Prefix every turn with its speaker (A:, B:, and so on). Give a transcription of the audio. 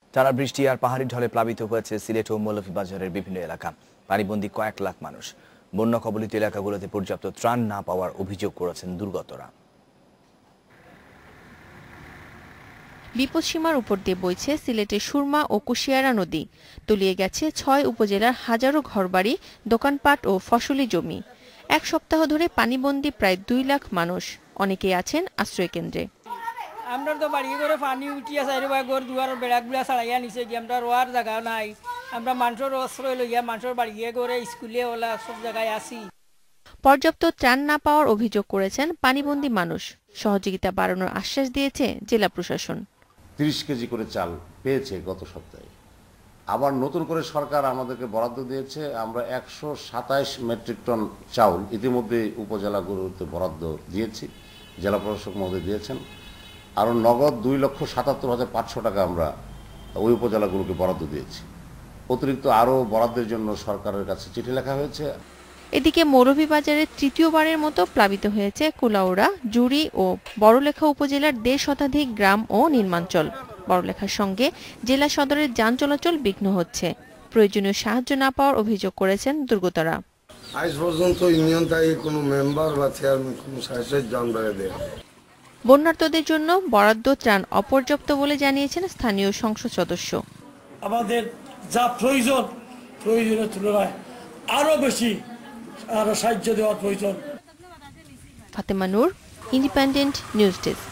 A: টানা বৃষ্টি আর পাহাড়ি ঢলে প্লাবিত হয়েছে সিলেট ও মৌলভীবাজারের বিভিন্ন এলাকা। পানিবন্দী কয়েক লাখ মানুষ। বন্যা কবলিত এলাকাগুলোতে পর্যাপ্ত ত্রাণ না পাওয়ার অভিযোগ করেছেন দুর্গতরা।
B: বিপদসীমার উপর দিয়ে বইছে সিলেটের সুরমা ও কুশিয়ারা নদী। তলিয়ে গেছে ৬ উপজেলার হাজারো ঘরবাড়ি, দোকানপাট ও ফসলি জমি। এক সপ্তাহ ধরে পানিবন্দী প্রায় ২ লাখ মানুষ। অনেকেই আছেন আশ্রয় কেন্দ্রে।
C: আমরা তো বাড়ি করে পানি উঠিয়া চাই ঘর দুয়ার বেড়াগুলা ছাড়াইয়া নিচে গিয়ে আমরা রোয়ার জায়গা নাই। আমরা মানুষের আশ্রয় লইয়া মানুষের বাড়ি করে স্কুলে ওলা সব জায়গায় আসি।
B: পর্যাপ্ত ত্রাণ না পাওয়ার অভিযোগ করেছেন পানিবন্দী মানুষ। সহযোগিতা বাড়ানোর আশ্বাস দিয়েছে জেলা প্রশাসন।
D: ৩০ কেজি করে চাল পেয়েছে গত সপ্তাহে। আবার নতুন করে সরকার আমাদেরকে বরাদ্দ দিয়েছে। আমরা ১২৭ মেট্রিক টন চাউল ইতিমধ্যে উপজেলাগুলোতে বরাদ্দ দিয়েছি, জেলা প্রশাসক মহোদয় দিয়েছেন। আরও নগদ ২,৭৭,৫০০ টাকা আমরা ওই উপজেলাগুলোকে বরাদ্দ দিয়েছি। অতিরিক্ত আরও বরাদ্দের জন্য সরকারের কাছে চিঠি লেখা হয়েছে।
B: এদিকে মৌলভীবাজারের তৃতীয়বারের মতো প্লাবিত হয়েছে কুলাউড়া, জুড়ি ও বড়লেখা উপজেলার ১.৫ শতাধিক গ্রাম ও নির্মাঞ্চল। বড়লেখার সঙ্গে জেলা সদরের যান চলাচল বিঘ্ন হচ্ছে। প্রয়োজনীয় সাহায্য না পাওয়ার অভিযোগ করেছেন দুর্গতরা।
E: আজ পর্যন্ত ইউনিয়ন থেকে কোনো মেম্বার বা চেয়ারম্যান কোনো সাহায্য জানবারে দেয়।
B: বন্যার্তদের জন্য বরাদ্দ ত্রাণ অপর্যাপ্ত বলে জানিয়েছেন স্থানীয় সংসদ সদস্য।
F: আমাদের যা প্রয়োজনের তুলনায় আরো বেশি সাহায্য দেওয়ার প্রয়োজন।
B: Fatema Noor, independent news desk.